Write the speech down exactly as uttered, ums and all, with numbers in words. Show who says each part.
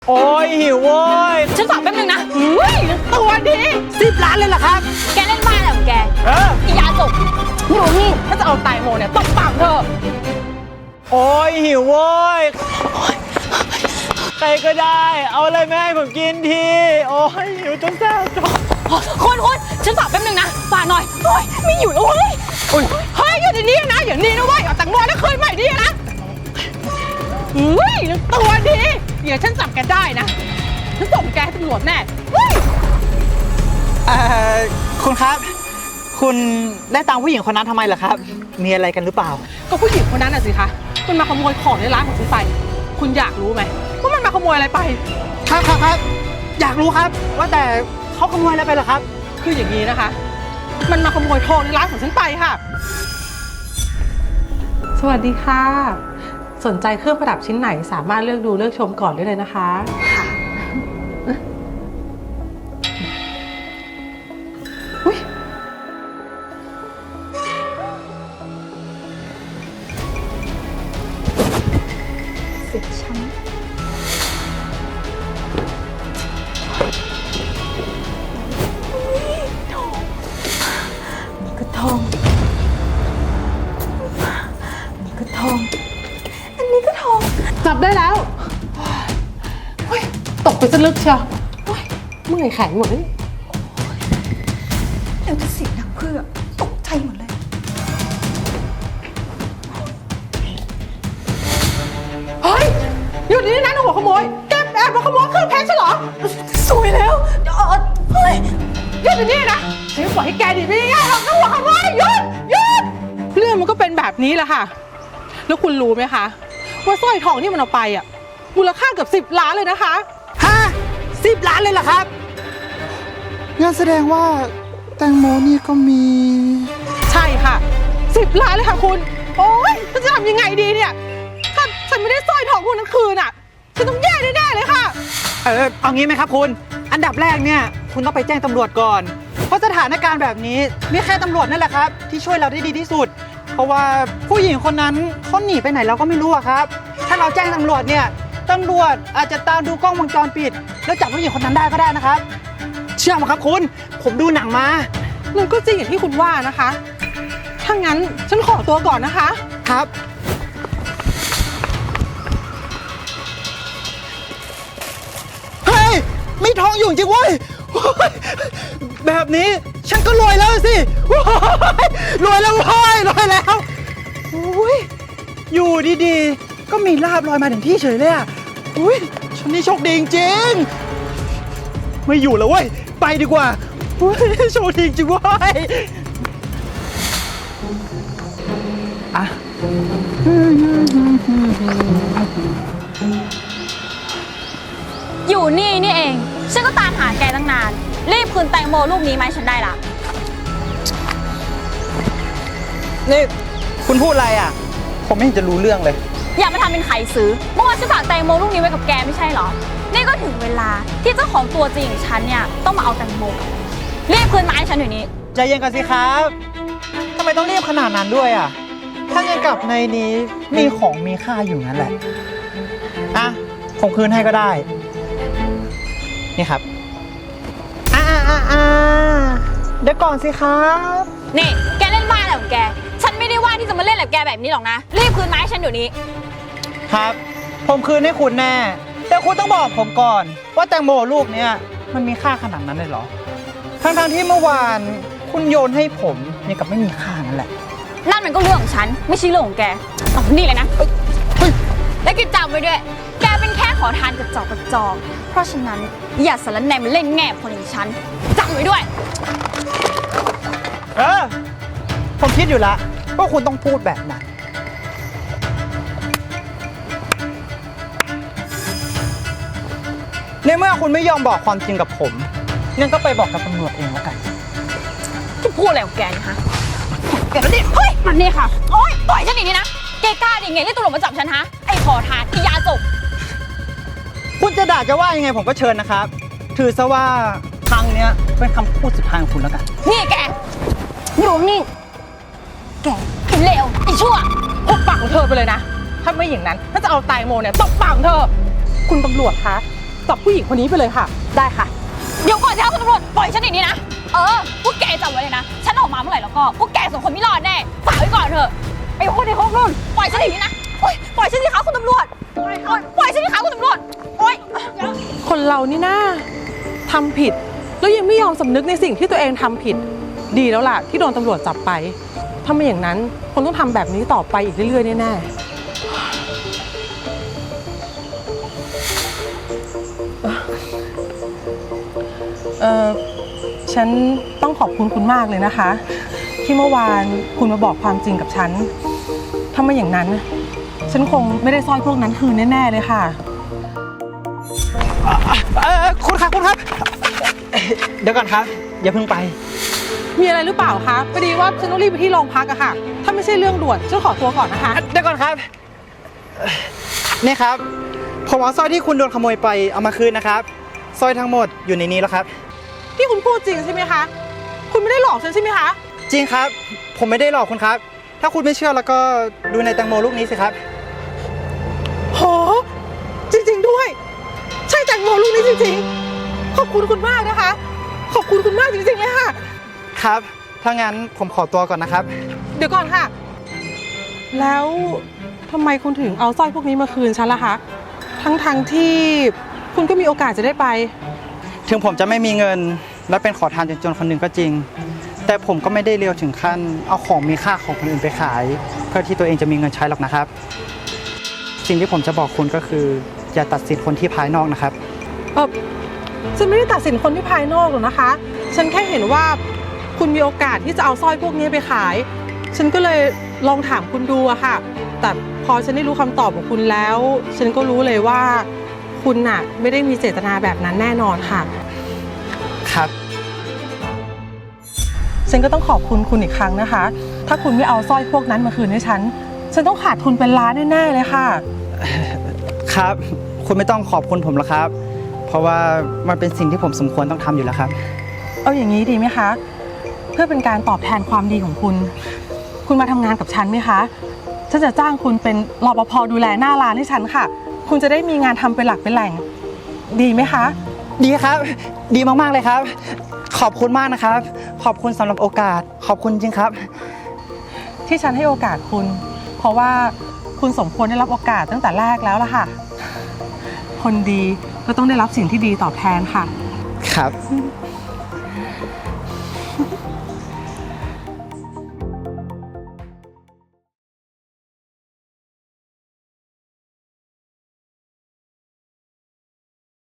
Speaker 1: โอ้ยหิวโว้ย
Speaker 2: ฉันฝากแป๊บนึงนะเฮ้ยตัวดี
Speaker 1: สิบล้านเลยเหรอครับ
Speaker 2: แกเล่นบ้าอะไรของแก
Speaker 1: เออ
Speaker 2: อียาจบหนูนี่ถ้าจะเอาไตโมเนี่ยตบปากเธอ
Speaker 1: โอ้ยหิวโว้ยใครก็ได้เอาอะไรมาให้ผมกินทีโอ้ยหิวจนแซ่บท้อง
Speaker 2: คนคนฉันฝากแป๊บนึงนะฝากหน่อยโอ้ยไม่อยู่แล้วเฮ้ยเฮ้ยอยู่ในนี้นะอย่างนี้นะเว้ยเอาตังโมแล้วคืนใหม่ดินะเฮ้ยตัวดีเดี๋ยวฉันจับแกได้นะฉันส่งแกให้ตำรวจแน่เฮ้ย
Speaker 1: เอ่อคุณครับคุณได้ตามผู้หญิงคนนั้นทำไมล่ะครับมีอะไรกันหรือเปล่า
Speaker 2: ก็ผู้หญิงคนนั้นน่ะสิคะมันมาขโมยของในร้านของฉันไปคุณอยากรู้ไหมว่ามันมาขโมยอะไรไป
Speaker 1: ครับครับครับอยากรู้ครับว่าแต่เขาขโมยอะไรไปเหรอครับ
Speaker 2: คืออย่างนี้นะคะมันมาขโมยทองในร้านของฉันไปค่ะสวัสดีค่ะสนใจเครื่องประดับชิ้นไหนสามารถเลือกดูเลือกชมก่อนได้เลยนะคะค่ะอุ๊ยเสียฉันนี่ก็ทองนี่ก็ทองอันนี้ก็ทองจับได้แล้วตกไปซะลึกเชียวเมื่อยแขนหมดเลย
Speaker 3: เดี๋ยวจะเสียงดังเพื่อตกใจหมดเลย
Speaker 2: เฮ้ยอยู่นี่นะหัวขโมยแกแอบมาขโมยเครื่องเพชรใช่เหรอ
Speaker 3: สวยแล้วเดี๋ยวเฮ้ย
Speaker 2: หยุดอยู่นี่นะฉันปล่อยให้แกดีไม่ง่ายหรอกนะหัวขโมยหยุดหยุดเรื่องมันก็เป็นแบบนี้แหละค่ะแล้วคุณรู้ไหมคะว่าสร้อยทองที่มันเอาไปอ่ะมูลค่าเกือบสิบล้านเลยนะคะ
Speaker 1: ฮะสิบล้านเลยเหรอครับงั้นแสดงว่าแตงโมนี่ก็มี
Speaker 2: ใช่ค่ะสิบล้านเลยค่ะคุณโอ๊ยจะทำยังไงดีเนี่ยถ้าฉันไม่ได้สร้อยทองคุณทั้งคืนอ่ะฉันต้องแย่แน่ๆเลยค่ะ
Speaker 1: เออเอางี้ไหมครับคุณอันดับแรกเนี่ยคุณต้องไปแจ้งตำรวจก่อนเพราะสถานการณ์แบบนี้มีแค่ตำรวจนั่นแหละครับที่ช่วยเราได้ดีที่สุดเพราะว่าผู้หญิงคนนั้นเขาหนีไปไหนเราก็ไม่รู้อะครับถ้าเราแจ้งตำรวจเนี่ยตำรวจอาจจะตามดูกล้องวงจรปิดแล้วจับผู้หญิงคนนั้นได้ก็ได้นะครับเชื่อไหมครับคุณผมดูหนังมา
Speaker 2: มันก็จริงอย่างที่คุณว่านะคะถ้างั้นฉันขอตัวก่อนนะคะ
Speaker 1: ครับเฮ้ยมีทองอยู่จริงเว้ยแบบนี้ฉันก็รวยแล้วสิรวยแล้วเว้ยรวยแล้วโอ้ยอยู่ดีๆก็มีลาบลอยมาถึงที่เฉยเลยอ่ะอุ้ยฉันนี่โชคดีจริงไม่อยู่แล้วเว้ยไปดีกว่าโชคดีจริงเว้ยอ่ะ
Speaker 2: อยู่นี่นี่เองฉันก็ตามหาแกตั้งนานรีบคืนแตงโมลูกนี้ไหมฉันได้ละ
Speaker 1: นี่คุณพูดอะไรอ่ะผมไม่เห็นจะรู้เรื่องเลย
Speaker 2: อย่ามาทำเป็นไขซื้อเมื่อวานฉันฝากแตงโมลูกนี้ไว้กับแกไม่ใช่เหรอนี่ก็ถึงเวลาที่เจ้าของตัวจริงของฉันเนี่ยต้องมาเอาแตงโมกลับรีบคืนมาให้ฉันอยู่นี้
Speaker 1: ใจเย็นกันสิครับทำไมต้องรีบขนาดนั้นด้วยอ่ะถ้าเงินกับในนี้มีของมีค่าอยู่นั่นแหละอ่ะผมคืนให้ก็ได้นี่ครับอ่าอ่าอ่าเดี๋ยวก่อนสิครับ
Speaker 2: นี่แกเล่นบ้าอะไรของแกฉันไม่ได้ว่าที่จะมาเล่นแบบแกแบบนี้หรอกนะรีบคืนมาให้ฉันอยู่นี้
Speaker 1: ครับผมคืนให้คุณแน่แต่คุณต้องบอกผมก่อนว่าแตงโมลูกเนี้ยมันมีค่าขนาดนั้นเลยเหรอทั้งทั้งที่เมื่อวานคุณโยนให้ผมนี่กับไม่มีค่านั่นแหละ
Speaker 2: นั่นมันก็เรื่องของฉันไม่ใช่เรื่องของแกเอานี่เลยนะและกิจจำไว้ด้วยแกเป็นแค่ขอทานกระจอกกระจอกเพราะฉะนั้นอย่าสารแหน่มาเล่นแง่คนอย่างฉันจำไว้ด้วย
Speaker 1: เออผมคิดอยู่ละว่าคุณต้องพูดแบบนั้นในเมื่อคุณไม่ยอมบอกความจริงกับผมงั้นก็ไปบอกกับตำรวจเองแล้วกัน
Speaker 2: จะพูดอะไรของแกนะฮะแกนี่เฮ้ยมันนี่ค่ะโอ๊ยปล่อยฉันอย่างนี้นะแกกล้าดิไงเรียกตำรวจมาจับฉันฮะไอ้ขอทานที่ยาจบ
Speaker 1: คุณจะด่าจะว่ายังไงผมก็เชิญนะครับถือซะว่าครั้งนี้เป็นคำพูดสุดท้ายของคุณแล้วกัน
Speaker 2: นี่แกอยู่นี่แกไอ้เลวไอ้ชั่วหุบปากของเธอไปเลยนะถ้าไม่อย่างนั้นถ้าจะเอาไตโมเนี่ยตบปากของเธอคุณตำรวจคะจับผู้หญิงคนนี้ไปเลยค่ะ
Speaker 4: ได้ค่ะ เดี๋ยวก่อนสิคะคุณตำรวจปล่อยฉันอย่างนี้นะ เออ พวกแกจำไว้เลยนะ ฉันออกมาเมื่อไหร่แล้วก็พวกแกสองคนไม่รอดแน่ ฝากไว้ก่อนเถอะไอ้คนในห้องนู่นปล่อยฉันอย่างนี้นะโอ๊ยปล่อยฉันสิคะคุณตำรวจโอ๊ยปล่อยฉันสิคะคุณตำรวจ โอ๊ย
Speaker 2: คนเรานี่นะทำผิดแล้วยังไม่ยอมสำนึกในสิ่งที่ตัวเองทำผิด ดีแล้วล่ะที่โดนตำรวจจับไปถ้าไม่อย่างนั้นคนต้องทำแบบนี้ต่อไปอีกเรื่อยๆแน่ๆเออฉันต้องขอบคุณคุณมากเลยนะคะ ที่เมื่อวานคุณมาบอกความจริงกับฉันถ้าไม่อย่างนั้นฉันคงไม่ได้สร้อยพวกนั้นคืนแน่ๆเลยค่ะ
Speaker 1: เออคุณครับคุณครับ เดี๋ยวก่อนครับ อย่าเพิ่งไป
Speaker 2: มีอะไรหรือเปล่าคะพอดีว่าฉันต้องรีบไปที่โรงพักอะค่ะ ถ้าไม่ใช่เรื่องด่วนฉันขอตัวก่อนนะคะ
Speaker 1: เดี๋ยวก่อนครับนี่ครับผมเอาสร้อยที่คุณโดนขโมยไปเอามาคืนนะครับสร้อยทั้งหมดอยู่ในนี้แล้วครับ
Speaker 2: ที่คุณพูดจริงใช่ไหมคะ คุณไม่ได้หลอกฉันใช่ไหมคะ
Speaker 1: จริงครับ ผมไม่ได้หลอกคุณครับ ถ้าคุณไม่เชื่อแล้วก็ดูในแตงโมลูกนี้สิครับ
Speaker 2: โห จริงๆด้วย ใช่แตงโมลูกนี้จริงๆ ขอบคุณคุณมากนะคะ ขอบคุณคุณมากจริงๆเลยค่ะ
Speaker 1: ครับ ถ้างั้นผมขอตัวก่อนนะครับ
Speaker 2: เดี๋ยวก่อนค่ะ แล้วทำไมคุณถึงเอาสร้อยพวกนี้มาคืนฉันล่ะคะ ทั้งๆทที่คุณก็มีโอกาสจะได้ไป
Speaker 1: ถึงผมจะไม่มีเงินและเป็นขอทานจนๆคนหนึ่งก็จริง แต่ผมก็ไม่ได้เลวถึงขั้นเอาของมีค่าของคนอื่นไปขาย เพื่อที่ตัวเองจะมีเงินใช้หรอกนะครับ สิ่งที่ผมจะบอกคุณก็คืออย่าตัดสินคนที่ภายนอกนะครับ
Speaker 2: เออฉันไม่ได้ตัดสินคนที่ภายนอกหรอกนะคะ ฉันแค่เห็นว่าคุณมีโอกาสที่จะเอาสร้อยพวกนี้ไปขาย ฉันก็เลยลองถามคุณดูอะค่ะ แต่พอฉันได้รู้คำตอบของคุณแล้ว ฉันก็รู้เลยว่าคุณน่ะไม่ได้มีเจตนาแบบนั้นแน่นอนค่ะ
Speaker 1: ครับ
Speaker 2: ฉันก็ต้องขอบคุณคุณอีกครั้งนะคะ ถ้าคุณไม่เอาสร้อยพวกนั้นมาคืนให้ฉัน ฉันต้องขาดทุนเป็นล้านแน่ๆเลยค่ะ
Speaker 1: ครับ คุณไม่ต้องขอบคุณผมหรอกครับ เพราะว่ามันเป็นสิ่งที่ผมสมควรต้องทำอยู่แล้วครับ
Speaker 2: เอาอย่างนี้ดีไหมคะ เพื่อเป็นการตอบแทนความดีของคุณ คุณมาทำงานกับฉันไหมคะ ฉันจะจ้างคุณเป็นรปภดูแลหน้าร้านให้ฉันค่ะ คุณจะได้มีงานทำเป็นหลักเป็นแหล่ง ดีไหมคะ
Speaker 1: ดีครับ ดีมากๆเลยครับ ขอบคุณมากนะครับ ขอบคุณสำหรับโอกาส ขอบคุณจริงครับ
Speaker 2: ที่ฉันให้โอกาสคุณ เพราะว่าคุณสมควรได้รับโอกาสตั้งแต่แรกแล้วล่ะค่ะ คนดีก็ต้องได้รับสิ่งที่ดีตอบแทนค่ะ
Speaker 1: ครับ